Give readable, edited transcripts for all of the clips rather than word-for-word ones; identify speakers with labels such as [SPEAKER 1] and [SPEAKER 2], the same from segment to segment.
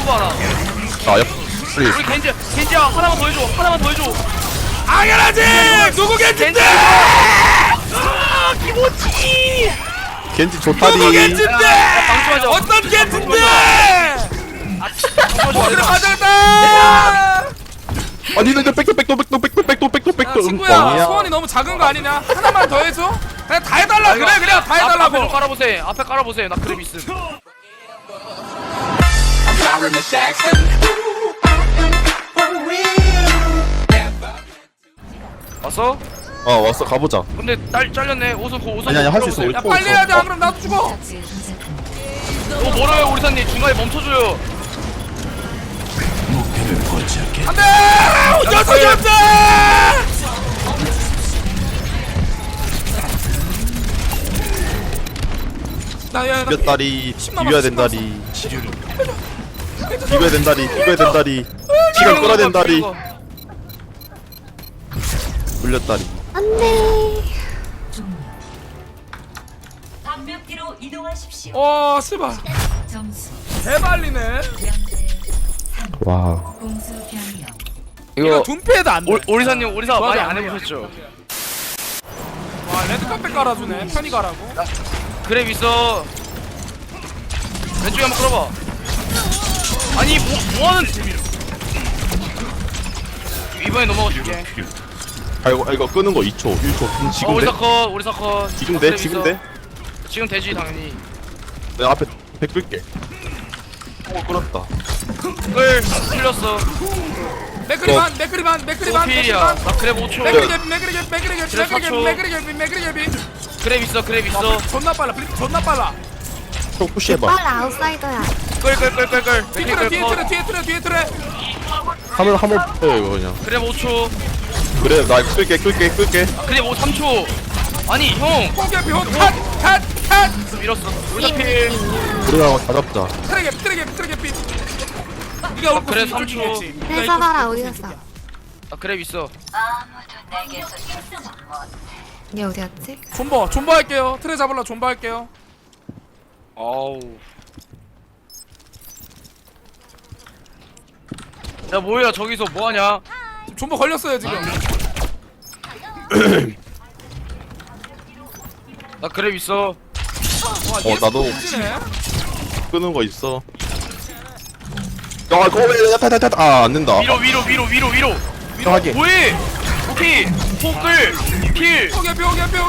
[SPEAKER 1] 호구 하나.
[SPEAKER 2] 아,
[SPEAKER 1] 우리 겐지야 하나만 더 해줘. 하나만 더 해줘.
[SPEAKER 3] 당연하지. 누구 겐지인데?
[SPEAKER 1] 기모치.
[SPEAKER 2] 겐지 좋다리.
[SPEAKER 3] 누구 겐지인데?
[SPEAKER 1] 방심하자.
[SPEAKER 3] 어떤 겐지인데? 어디로 가져갔다?
[SPEAKER 2] 아, 니들 백도.
[SPEAKER 3] 친구야, 소원이 너무 작은 거 아니냐? 하나만 더 해줘. 그냥 다 해달라. 그래, 그냥 다
[SPEAKER 1] 앞에 좀
[SPEAKER 3] 해달라고.
[SPEAKER 1] 깔아보세요. 앞에 깔아보세요. 나 그랩 있음. 왔어?
[SPEAKER 2] 왔어, 가보자.
[SPEAKER 1] 근데 잘렸네. 오선.
[SPEAKER 2] 아니, 할 수 있어. 우리
[SPEAKER 3] 야, 빨리 해야 돼. 안 그럼 나도 죽어.
[SPEAKER 1] 너무 멀어요, 오리사님. 중간에 멈춰줘요.
[SPEAKER 3] 안 돼! 졌어! 나
[SPEAKER 2] 몇 다리, 비벼야 된다리. 비벼야 된다리. 시간 끌어야 된다리. 물렸다리.
[SPEAKER 4] 안돼.
[SPEAKER 5] 방벽뒤로 이동하십시오.
[SPEAKER 3] 씨발.
[SPEAKER 5] 점수
[SPEAKER 3] 대발리네.
[SPEAKER 5] 0대3
[SPEAKER 2] 와.
[SPEAKER 5] 공수 변경.
[SPEAKER 3] 이거 둔패도 안 돼.
[SPEAKER 1] 오리사님, 오리사 많이
[SPEAKER 3] 맞아.
[SPEAKER 1] 안 해보셨죠?
[SPEAKER 3] 와, 레드카펫 깔아주네. 편히 가라고.
[SPEAKER 1] 그랩 있어. 왼쪽에 한번 끌어봐. 아니, 뭐하는. 이번에 넘어가 줄게.
[SPEAKER 2] 이거 끄는 거 2초, 1초. 지금 돼?
[SPEAKER 1] 오리사 컷.
[SPEAKER 2] 지금 돼?
[SPEAKER 1] 그랩
[SPEAKER 2] 지금
[SPEAKER 1] 있어.
[SPEAKER 2] 돼?
[SPEAKER 1] 지금 되지, 당연히.
[SPEAKER 2] 내가 앞에 100 끌게. 끌었다.
[SPEAKER 1] 끌, 풀렸어.
[SPEAKER 3] 맥그리반.
[SPEAKER 1] 필이야. 나 그랩 5초.
[SPEAKER 3] 맥그리개비.
[SPEAKER 1] 그랩 있어, 그랩 있어.
[SPEAKER 3] 존나 빨라. 블리피 존나 빨라.
[SPEAKER 2] 또 푸시해봐.
[SPEAKER 4] 빨라 아웃사이더야.
[SPEAKER 1] 끌.
[SPEAKER 3] 뒤에 틀에.
[SPEAKER 2] 한번 빼요, 이거 그냥.
[SPEAKER 1] 그랩 5초.
[SPEAKER 2] 그래, 나 끌게.
[SPEAKER 1] 그랩 3초. 아니, 형.
[SPEAKER 3] 콩개비 컷.
[SPEAKER 1] 밀었어. 오리사 필.
[SPEAKER 2] 우리가 다 잡자.
[SPEAKER 3] 트레게피. 네가 올
[SPEAKER 1] 그래,
[SPEAKER 3] 곳이
[SPEAKER 1] 3초.
[SPEAKER 3] 이쪽이겠지.
[SPEAKER 4] 회사봐라 어디 갔어?
[SPEAKER 1] 아, 그랩 있어.
[SPEAKER 4] 얘 어디 갔지?
[SPEAKER 3] 존버 할게요. 트레 잡으려 존버 할게요.
[SPEAKER 1] 아우. 야, 뭐야, 저기서 뭐하냐?
[SPEAKER 3] 존버 걸렸어요 지금.
[SPEAKER 1] 나 그랩 있어.
[SPEAKER 3] 와,
[SPEAKER 2] 나도.
[SPEAKER 3] 네
[SPEAKER 2] 끄는 거 있어. 그거 왜, 안 된다.
[SPEAKER 1] 위로.
[SPEAKER 2] 하게.
[SPEAKER 1] 뭐해? 오케이. 호끌. 필.
[SPEAKER 3] 오게피.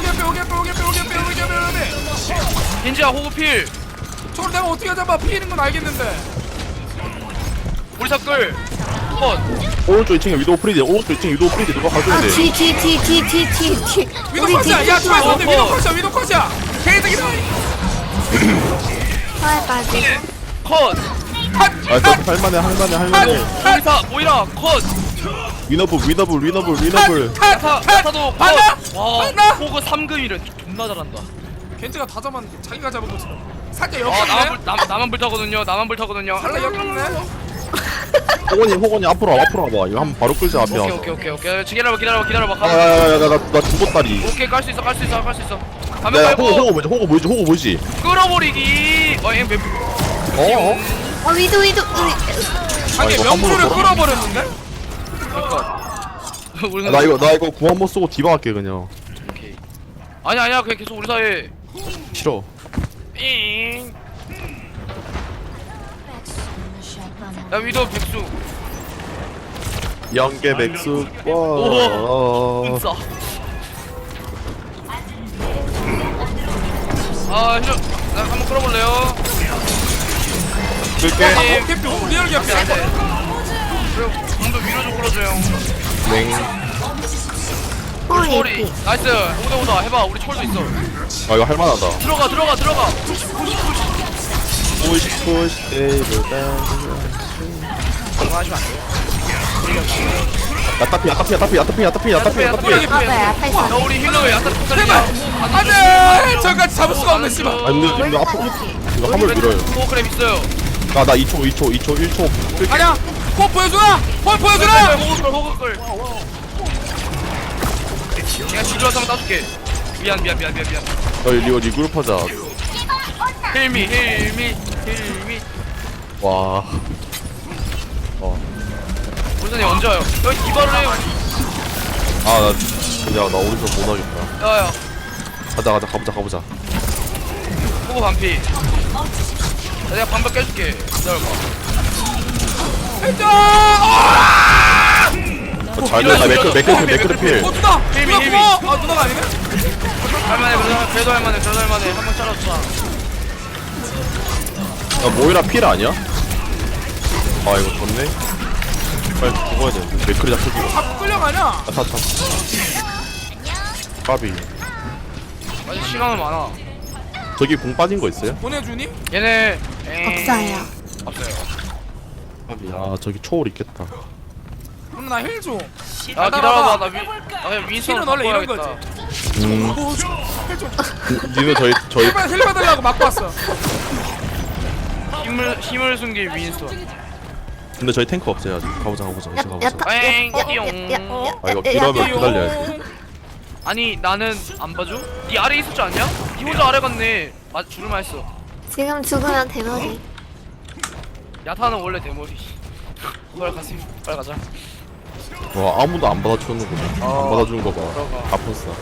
[SPEAKER 1] 겐지야, 호구 필.
[SPEAKER 3] 저걸 내가 어떻게 잡아? 피해는 건 알겠는데.
[SPEAKER 1] 오리사 끌. 컷.
[SPEAKER 2] 오른쪽 2층에 위도우 프리드. 누가 가져야 돼.
[SPEAKER 4] 뒤.
[SPEAKER 3] 위도
[SPEAKER 4] 우리
[SPEAKER 3] 컷이야. 야,
[SPEAKER 4] 뒤.
[SPEAKER 3] 초에서 위도 컷이야. 개새끼다.
[SPEAKER 4] 서해 빠지.
[SPEAKER 1] 컷.
[SPEAKER 2] 할만해.
[SPEAKER 1] 오리사, 모이라. 컷.
[SPEAKER 2] 위너블.
[SPEAKER 1] 야타도 컷.
[SPEAKER 3] 봤나?
[SPEAKER 1] 와,
[SPEAKER 3] 봤나?
[SPEAKER 1] 호그 3금이래. 존나 잘한다.
[SPEAKER 3] 겐지가 다 잡았는데 자기가 잡은 것처럼. 살짝
[SPEAKER 1] 아,
[SPEAKER 3] 역겹네.
[SPEAKER 1] 나만 불타거든요.
[SPEAKER 3] 살짝 역겹네.
[SPEAKER 2] 호건이 앞으로 와봐. 이거 한번 바로 끌자, 앞에 와서.
[SPEAKER 1] 오케이. 기다려봐.
[SPEAKER 2] 나 죽었다리.
[SPEAKER 1] 오케이, 깔 수 있어. 가면
[SPEAKER 2] 야,
[SPEAKER 1] 깔고.
[SPEAKER 2] 호거 보이지?
[SPEAKER 1] 끌어버리기.
[SPEAKER 4] 위도.
[SPEAKER 3] 아니
[SPEAKER 2] 이거
[SPEAKER 3] 명수를
[SPEAKER 2] 함부로
[SPEAKER 3] 끌어버렸는데?
[SPEAKER 1] 우리는
[SPEAKER 2] 나 이거 구한번 쓰고 디바 할게, 그냥.
[SPEAKER 1] 오케이. 아니야. 그냥 계속 우리 사이에.
[SPEAKER 2] 싫어.
[SPEAKER 1] 잉. 야, 위도 백수.
[SPEAKER 2] 연계 백수.
[SPEAKER 1] 은싸. 힐러. 나 한번 끌어볼래요?
[SPEAKER 2] 끌게.
[SPEAKER 3] 개피 리얼 개피.
[SPEAKER 1] 안 돼. 그래, 좀더 위로 좀 끌어줘요.
[SPEAKER 2] 맹.
[SPEAKER 1] 초월이.
[SPEAKER 4] 호리피.
[SPEAKER 1] 나이스. 오다 해봐. 우리 초월도 있어.
[SPEAKER 2] 이거 할만하다.
[SPEAKER 1] 들어가.
[SPEAKER 2] 푸시, 에이블,
[SPEAKER 1] 그거 하시면 안 돼요.
[SPEAKER 2] 야타피.
[SPEAKER 4] 맞아요 앞에 있어.
[SPEAKER 1] 야, 우리 힐러에 야타 폭살이야.
[SPEAKER 3] 안돼. 저까지 잡을 수가 없네 씨발.
[SPEAKER 2] 아니, 근데 이거 앞으로. 이거 화물 밀어요.
[SPEAKER 1] 호그램 있어요.
[SPEAKER 2] 나 2초, 1초. 끌게.
[SPEAKER 3] 아니야. 코 보여주라.
[SPEAKER 1] 호그 끌. 내가 지루해서 한번 따줄게. 미안.
[SPEAKER 2] 리오 리그룹 하자.
[SPEAKER 1] 힐미.
[SPEAKER 2] 와.
[SPEAKER 1] 우선이 언제 와요? 여기 디바를 해요.
[SPEAKER 2] 아나 그냥 나 오른쪽 못 하겠다.
[SPEAKER 1] 야야.
[SPEAKER 2] 가자 가보자.
[SPEAKER 1] 호구 반피. 야, 내가 방벽 깨줄게. 기다려봐.
[SPEAKER 2] 잘 됐다. 매크로 필.
[SPEAKER 3] 누나!
[SPEAKER 1] 힐미,
[SPEAKER 3] 누나
[SPEAKER 1] 힐미.
[SPEAKER 3] 고마워! 아 누나가 아니네?
[SPEAKER 1] 할만해, 그래도 할만해. 한 번 잘랐어.
[SPEAKER 2] 야 모이라 필 아니야? 아 이거 좋네. 빨리 죽어야 돼. 매크로 잡히고.
[SPEAKER 3] 자꾸 끌려가냐?
[SPEAKER 2] 타. 까비.
[SPEAKER 1] 아직 시간은 많아.
[SPEAKER 2] 저기 공 빠진 거 있어요?
[SPEAKER 3] 보내주니?
[SPEAKER 1] 얘네
[SPEAKER 4] 없어요.
[SPEAKER 1] 없어요.
[SPEAKER 2] 까비. 아 저기 초월 있겠다.
[SPEAKER 3] 그럼 나 힐 줘.
[SPEAKER 1] 야 기다려봐. 나 그냥 윈선
[SPEAKER 3] 힐은 원래 이런
[SPEAKER 1] 바꿔야겠다.
[SPEAKER 3] 힐 줘.
[SPEAKER 2] 니는 저희
[SPEAKER 3] 힐 받으려고 막고 왔어.
[SPEAKER 1] 힘을 숨긴 윈선.
[SPEAKER 2] 근데 저희 탱크 없어요 아직. 가보자 이제 가보자. 아 이거 필요하면 기다려야지.
[SPEAKER 1] 아니 나는 안 봐줘? 네 아래 있을 줄 아냐? 네 혼자 아래 갔네. 죽을만 했어.
[SPEAKER 4] 지금 죽으면 대머리.
[SPEAKER 1] 야타는 원래 대머리. 빨리 가세요. 빨리 가자.
[SPEAKER 2] 와 아무도 안 받아주는구나. 안 받아주는 거 봐.
[SPEAKER 1] 들어가.
[SPEAKER 2] 아팠어.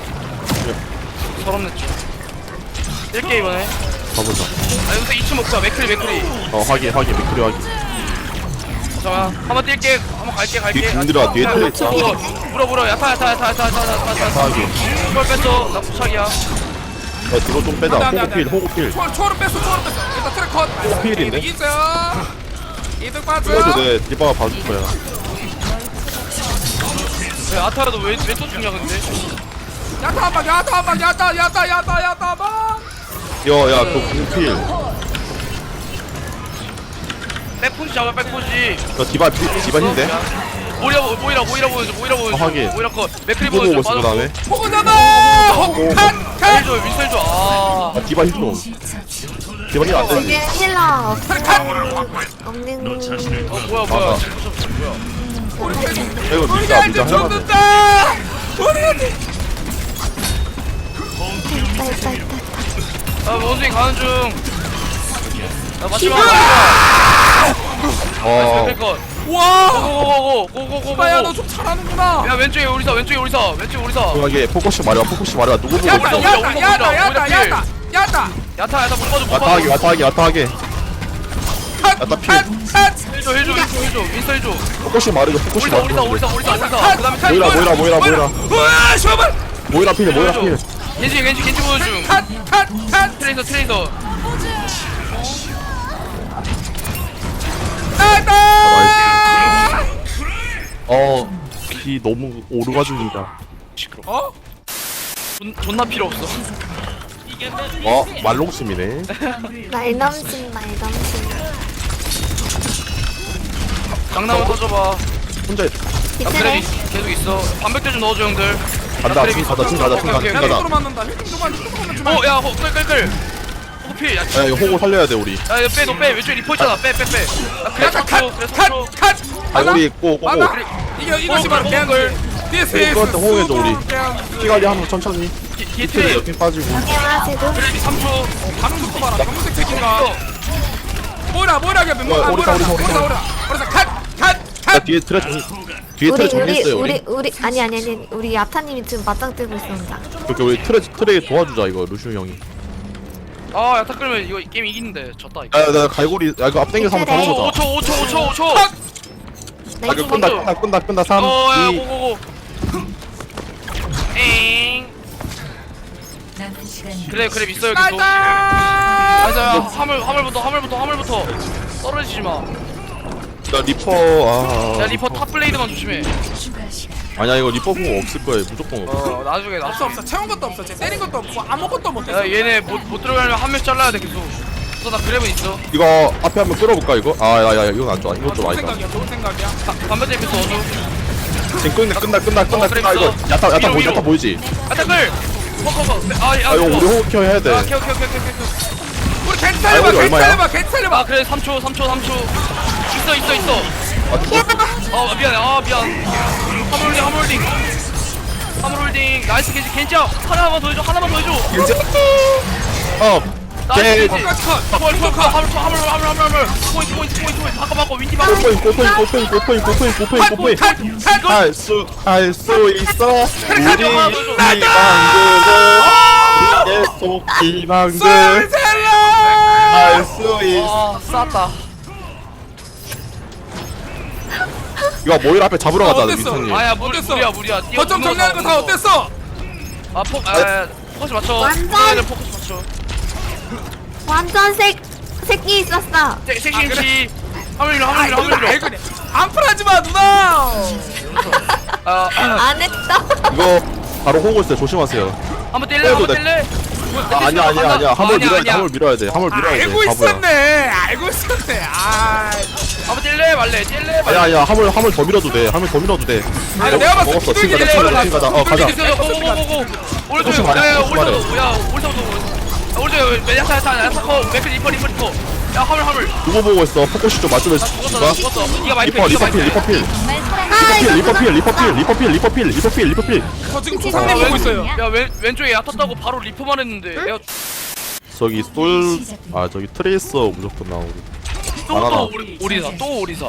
[SPEAKER 1] 서럽냈죠. 1게 이번에.
[SPEAKER 2] 가보자.
[SPEAKER 1] 아 여기서 2층 먹자. 맥크리.
[SPEAKER 2] 확인 매크리 확인.
[SPEAKER 1] 잠깐만. 한번 뛸게. 한번 갈게.
[SPEAKER 2] 뒤에 든들아 뒤에 틀에 있다.
[SPEAKER 1] 물어. 야타.
[SPEAKER 2] 확인.
[SPEAKER 1] 이걸 뺐어. 나 부착이야.
[SPEAKER 2] 야 뒤로 좀 빼자.
[SPEAKER 3] 안 돼.
[SPEAKER 2] 호구필.
[SPEAKER 3] 초월은 뺐어. 일단 트랙 컷.
[SPEAKER 2] 필인데?
[SPEAKER 3] 있어요. 이득
[SPEAKER 2] 그래도
[SPEAKER 3] 빠져.
[SPEAKER 2] 내 디바가 봐줄 거야.
[SPEAKER 1] 왜 아타라도 왜 또 죽냐 근데?
[SPEAKER 3] 야타 한 방. 야타 한 방.
[SPEAKER 2] 야야 그 공필.
[SPEAKER 1] 백포지 잡아 백포지.
[SPEAKER 2] 너 디바 힘데?
[SPEAKER 1] 모이라 보여줘.
[SPEAKER 2] 하긴.
[SPEAKER 1] 모이라 거 맥크리
[SPEAKER 2] 보고
[SPEAKER 1] 보여줘.
[SPEAKER 2] 있어 그다음에.
[SPEAKER 3] 호구 잡아. 칸.
[SPEAKER 1] 힐 줘. 윈셀 줘. 아.
[SPEAKER 2] 아 디바 힘 좀. 디바 힘안
[SPEAKER 4] 지금
[SPEAKER 2] 되지.
[SPEAKER 4] 힐러 없는.
[SPEAKER 1] 뭐야.
[SPEAKER 2] 아. 이거
[SPEAKER 3] 우리한테
[SPEAKER 2] 미자 해봐.
[SPEAKER 3] 죽는다. 우리한테.
[SPEAKER 4] 있다.
[SPEAKER 1] 아 원숭이 가는 중. 나 마지막.
[SPEAKER 2] 어.
[SPEAKER 1] 백컷.
[SPEAKER 3] 와.
[SPEAKER 1] 고고고고.
[SPEAKER 3] 오빠야 너 좀 잘하는구나.
[SPEAKER 1] 야 왼쪽에 우리사.
[SPEAKER 2] 조용하게 포커스 말해봐. 누구 보고
[SPEAKER 3] 야타
[SPEAKER 2] 있어?
[SPEAKER 3] 야타.
[SPEAKER 1] 야타 못 봐줘.
[SPEAKER 2] 야타하게. 야타 필.
[SPEAKER 1] 힐줘. 윈셀 힐줘.
[SPEAKER 2] 포커스 말해줘. 포커스
[SPEAKER 1] 우리사.
[SPEAKER 2] 말해줘.
[SPEAKER 1] 그다음에
[SPEAKER 2] 모이라.
[SPEAKER 3] 우와 셔벌.
[SPEAKER 2] 모이라 필.
[SPEAKER 1] 겐지 보여줘.
[SPEAKER 3] 컷.
[SPEAKER 1] 트레이서.
[SPEAKER 3] 나이스.
[SPEAKER 2] 비 너무 오르가죽이다.
[SPEAKER 3] 어?
[SPEAKER 1] 존나 필요 없어.
[SPEAKER 2] 말롱심이네.
[SPEAKER 4] 말 넘친.
[SPEAKER 1] 장난을 터져봐.
[SPEAKER 2] 혼자
[SPEAKER 1] 나 그래 계속 있어. 반백대 좀 넣어줘 형들.
[SPEAKER 2] 간다. 지금 가자.
[SPEAKER 1] 오케이.
[SPEAKER 3] 야 힐로 맞는다. 힐좀 주만.
[SPEAKER 1] 야 끌. 호필. 야
[SPEAKER 2] 야 이거 호구 살려야 돼 우리.
[SPEAKER 1] 너 빼. 왼쪽에 리포 있잖아. 빼. 나 그래
[SPEAKER 3] 야타
[SPEAKER 1] 컷.
[SPEAKER 3] 컷.
[SPEAKER 2] 우리 꼬고.
[SPEAKER 3] 맞나? 이것이 바로 개걸. This is
[SPEAKER 2] 그것도 호응해줘, 우리.
[SPEAKER 3] super
[SPEAKER 2] 피관리 하면서 천천히.
[SPEAKER 1] 뒤에
[SPEAKER 2] 트레
[SPEAKER 1] 트레.
[SPEAKER 2] 옆에 빠지고.
[SPEAKER 4] 안녕하세요.
[SPEAKER 1] 그래 3초.
[SPEAKER 3] 반응 속도 봐라. 검은색 새끼가. 뭐라 개면
[SPEAKER 2] 오리사.
[SPEAKER 3] 컷.
[SPEAKER 2] 야 뒤에 트레 정리했어요 우리.
[SPEAKER 4] 우리 아니 우리 야타님이 지금 맞짱 뜨고 있습니다.
[SPEAKER 2] 그렇게 우리 트레 도와주자 이거 루슈 형이.
[SPEAKER 1] 아 야타 끌면 이거 게임 이기는데 졌다 이거.
[SPEAKER 2] 나 갈고리. 야 이거 앞당겨서 한번 잡아보자.
[SPEAKER 1] 5초.
[SPEAKER 2] 아 이거 끈다. 3,
[SPEAKER 1] 야
[SPEAKER 2] 2.
[SPEAKER 1] 고고고. 엥.
[SPEAKER 5] 남은 시간
[SPEAKER 1] 그래 있어요 계속.
[SPEAKER 3] 나이스.
[SPEAKER 1] 맞아. 화물부터. 떨어지지 마.
[SPEAKER 2] 나 리퍼.
[SPEAKER 1] 야 리퍼 탑 블레이드만 조심해.
[SPEAKER 5] 추가 시간
[SPEAKER 2] 아니야 이거 리퍼 공 없을 거야 무조건 없어.
[SPEAKER 1] 나중에.
[SPEAKER 3] 없어. 채운 것도 없어. 쟤 때린 것도 없고 아무것도 못
[SPEAKER 1] 야
[SPEAKER 3] 했어.
[SPEAKER 1] 얘네 못 들어가려면 한 명 잘라야 돼 계속. 나 그랩은 있어.
[SPEAKER 2] 이거 앞에 한번 끌어볼까 이거? 야 이건 안 좋아. 이거 좀 아니다.
[SPEAKER 3] 좋은 생각이야.
[SPEAKER 1] 반대 에피소 넣어줘.
[SPEAKER 2] 지금 끝나 이거. 야타 보이지?
[SPEAKER 1] 아타클.
[SPEAKER 2] 아 이거 우리 호흡 켜 해야 돼.
[SPEAKER 1] 오케이.
[SPEAKER 3] 우리 개
[SPEAKER 2] 아이고, 얼마야?
[SPEAKER 3] 살려봐.
[SPEAKER 1] 아 그래 3초. 있어. 미안. 화물 홀딩. 나이스 겐지 하나만 더 해줘.
[SPEAKER 2] 이제
[SPEAKER 1] 나이스
[SPEAKER 3] 똑같이 컷
[SPEAKER 1] 포인트
[SPEAKER 3] 컷
[SPEAKER 1] 바꿔 윈디 바꿔
[SPEAKER 2] 꼬포인 할수 있어 우리 희망들
[SPEAKER 3] 쏠살려
[SPEAKER 2] 할수 있어
[SPEAKER 1] 아 쌌다
[SPEAKER 2] 이거 모일 앞에 잡으러 가자
[SPEAKER 3] 어땠어?
[SPEAKER 2] 민선님
[SPEAKER 1] 아야
[SPEAKER 3] 어땠어?
[SPEAKER 1] 무리야
[SPEAKER 3] 거점 정리하는 거 다 어땠어?
[SPEAKER 1] 포커스 맞춰
[SPEAKER 4] 완전!
[SPEAKER 1] 포커스 맞춰
[SPEAKER 4] 완전 새끼 있었어.
[SPEAKER 1] 섹시인지 화물밀어
[SPEAKER 3] 아이고 안풀하지마 누나
[SPEAKER 4] 안 했어.
[SPEAKER 2] 이거 바로 호구 있어요 조심하세요
[SPEAKER 1] 한번 뛸래?
[SPEAKER 2] 아니야 화물 밀어야 돼
[SPEAKER 1] 아니야.
[SPEAKER 2] 화물 밀어야 돼 화물 밀어야 돼
[SPEAKER 3] 알고
[SPEAKER 2] 바보야
[SPEAKER 3] 있었네 알고 있었네 아
[SPEAKER 1] 한번 뛸래 말래
[SPEAKER 2] 아니야 화물 더 밀어도 돼 화물 더 밀어도 돼
[SPEAKER 3] 아니 내가 봤을 때
[SPEAKER 2] 먹었어
[SPEAKER 3] 기둥이
[SPEAKER 2] 지금
[SPEAKER 3] 내려가.
[SPEAKER 2] 가자 가자
[SPEAKER 1] 고고고고고 오른쪽
[SPEAKER 2] 조심 말해,
[SPEAKER 1] 야야
[SPEAKER 2] 조심 말해.
[SPEAKER 1] 오른쪽 야타 맥크 리퍼 야 화물
[SPEAKER 2] 누구 보고 있어 포커시 좀 맞추면
[SPEAKER 1] 나 죽었어 니가 많이
[SPEAKER 2] 리퍼필
[SPEAKER 3] 저 지금 조상님 보고 있어요
[SPEAKER 1] 야 왼쪽에 야탔다고 바로 리퍼만 했는데 내가
[SPEAKER 2] 저기 저기 트레이서 무조건 나오고
[SPEAKER 1] 또 오리사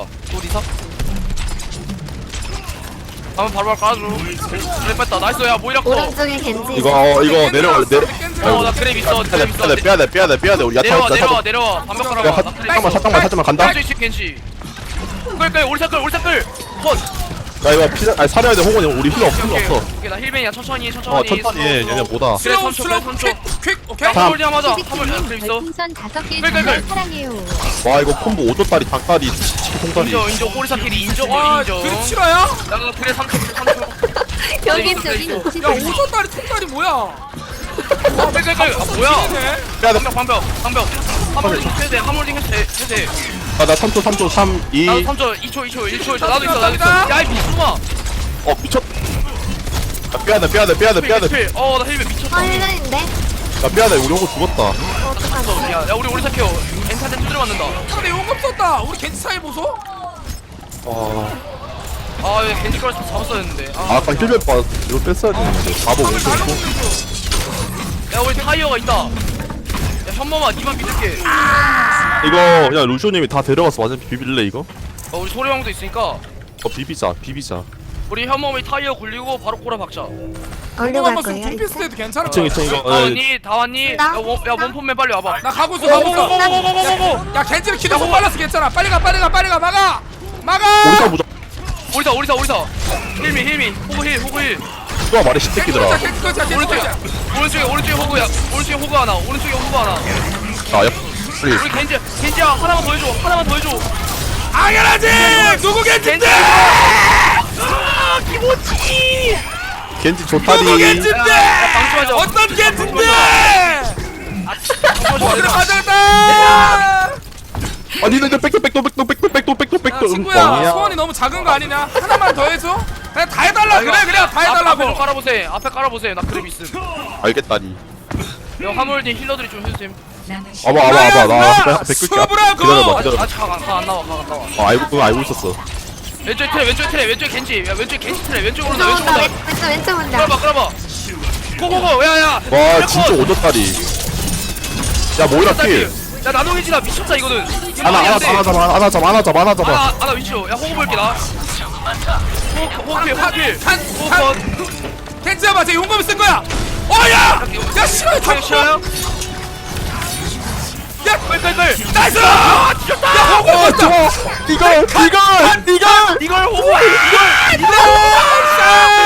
[SPEAKER 1] 한번 바로 깔아줘 그래 뺐다 나이스 야 모이라 커
[SPEAKER 4] 오른쪽에 겐지.
[SPEAKER 2] 이거 내려갈래
[SPEAKER 1] 어나 그랩 있어
[SPEAKER 2] 빼야돼 우리 야타
[SPEAKER 1] 내려와 반벽
[SPEAKER 2] 야,
[SPEAKER 1] 깔아봐
[SPEAKER 2] 잠깐만 간다
[SPEAKER 1] 왼쪽 있지 겐지 끌 오리사 끌 컷
[SPEAKER 2] 나 이거 살려야 돼 호건이 우리 힐러 없어
[SPEAKER 1] 오케이 나 힐벤이야 천천히
[SPEAKER 2] 천천히 해 얘네 뭐다
[SPEAKER 1] 그래
[SPEAKER 3] 슬로우
[SPEAKER 1] 3초
[SPEAKER 3] 퀵 오케이
[SPEAKER 2] 자.
[SPEAKER 1] 화물 맞아 화물 그래 있어
[SPEAKER 6] 별풍선 5개
[SPEAKER 1] 끌.
[SPEAKER 6] 정말 사랑해요.
[SPEAKER 2] 와 이거 콤보 오조다리 닭다리 치킨 통다리
[SPEAKER 1] 인정 오리사 킬이 인정
[SPEAKER 3] 와 그립 실화야?
[SPEAKER 1] 나 그래 3초
[SPEAKER 4] 여기
[SPEAKER 1] 있어,
[SPEAKER 4] 저기.
[SPEAKER 1] 있어.
[SPEAKER 3] 야 오전다리 통다리 뭐야
[SPEAKER 1] 끌 뭐야
[SPEAKER 3] 네
[SPEAKER 2] 빼야돼
[SPEAKER 1] 방벽 화물링 해제 해제
[SPEAKER 2] 나 3초 3 2
[SPEAKER 1] 나도 3초 2초 1초 나도 있어 야이 미친놈아
[SPEAKER 2] 미쳤 빼야돼
[SPEAKER 1] 어나 힐벤 미쳤다
[SPEAKER 4] 헬렌인데?
[SPEAKER 2] 야 빼야돼 우리 호구 죽었다
[SPEAKER 4] 어떡하지?
[SPEAKER 1] 야 우리 오리사 키워 엔타한테 두드려 맞는다
[SPEAKER 3] 근데 용감 썼다 우리 겐지 사이 보소?
[SPEAKER 1] 아 얘 겐지 걸어서 잡았어야 했는데
[SPEAKER 2] 아까 힐백 봐 이거 뺐어야 되는데 바보 못
[SPEAKER 3] 잘
[SPEAKER 2] 뺐고
[SPEAKER 1] 야 우리 타이어가 있다 야 현범아 니만 믿을게
[SPEAKER 2] 이거 야 루시오님이 다 데려가서 완전 비빌래 이거?
[SPEAKER 1] 우리 소리왕도 있으니까
[SPEAKER 2] 비비자
[SPEAKER 1] 우리 현범이 타이어 굴리고 바로 꼬라 박자
[SPEAKER 4] 얼려
[SPEAKER 3] 용감
[SPEAKER 4] 갈
[SPEAKER 3] 봤으면
[SPEAKER 4] 거예요.
[SPEAKER 3] 둠피스 때도 괜찮을
[SPEAKER 2] 층
[SPEAKER 3] 거야
[SPEAKER 2] 2층 이거
[SPEAKER 1] 다 왔니?
[SPEAKER 4] 나?
[SPEAKER 1] 야 원폼맨 빨리 와봐
[SPEAKER 3] 나 가고 있어
[SPEAKER 1] 고고고고고고고
[SPEAKER 3] 야 겐지는 키도 못 빨랐어 괜찮아 빨리 가 막아
[SPEAKER 2] 오리사 무적
[SPEAKER 1] 오리사 힐미 호구 힐
[SPEAKER 2] 누가 말해 시새끼들아
[SPEAKER 3] 겐지 거자
[SPEAKER 1] 오른쪽에 호구 하나
[SPEAKER 2] 아야
[SPEAKER 1] 우리 겐지야 하나만 더 해줘
[SPEAKER 3] 당연하지 누구 겐지인데
[SPEAKER 1] 기모치
[SPEAKER 2] 겐지
[SPEAKER 3] 누구
[SPEAKER 2] 좋다리
[SPEAKER 3] 겐지인데
[SPEAKER 1] 방심하자
[SPEAKER 3] 어떤 겐지인데
[SPEAKER 1] 방심하지
[SPEAKER 3] 어디로
[SPEAKER 1] 마.
[SPEAKER 3] 가져갔다
[SPEAKER 2] 아 니네 백도
[SPEAKER 3] 친구야 소원이 너무 작은 거 아니냐 하나만 더 해줘 그냥 다 해달라 그래 다
[SPEAKER 1] 앞에 좀
[SPEAKER 3] 해달라고
[SPEAKER 1] 깔아보세요 나 그랩 있음
[SPEAKER 2] 알겠다니
[SPEAKER 1] 야 화물님 힐러들이 좀 해주셈
[SPEAKER 5] 남은 시간
[SPEAKER 2] 와봐 나 백끌게
[SPEAKER 3] 수업을
[SPEAKER 2] 기다려봐
[SPEAKER 1] 아직 안 나와
[SPEAKER 2] 알고 있었어
[SPEAKER 1] 왼쪽 겐지 야 왼쪽 겐지 트레 왼쪽으로 온다
[SPEAKER 4] 왼쪽
[SPEAKER 1] 왼쪽
[SPEAKER 4] 온다.
[SPEAKER 1] 온다
[SPEAKER 4] 왼쪽 온다.
[SPEAKER 1] 끌어봐 고고고 야야
[SPEAKER 2] 와 진짜 오졌다리 야 모이라 필
[SPEAKER 1] 야 나노겐지나 미쳤다 이거는
[SPEAKER 2] 하나 잡아
[SPEAKER 1] 아나 위치요 야 호구 볼게 나 호구필
[SPEAKER 3] 겐지야 맞아 용감이 쓴 거야 어야 야 싫어
[SPEAKER 1] 호구 싫어요?
[SPEAKER 3] 야
[SPEAKER 1] 끌
[SPEAKER 3] 나이스
[SPEAKER 1] 아 뒤졌다
[SPEAKER 3] 야 호구 썼다
[SPEAKER 2] 이걸
[SPEAKER 1] 이걸 호구야 이걸
[SPEAKER 3] 나이스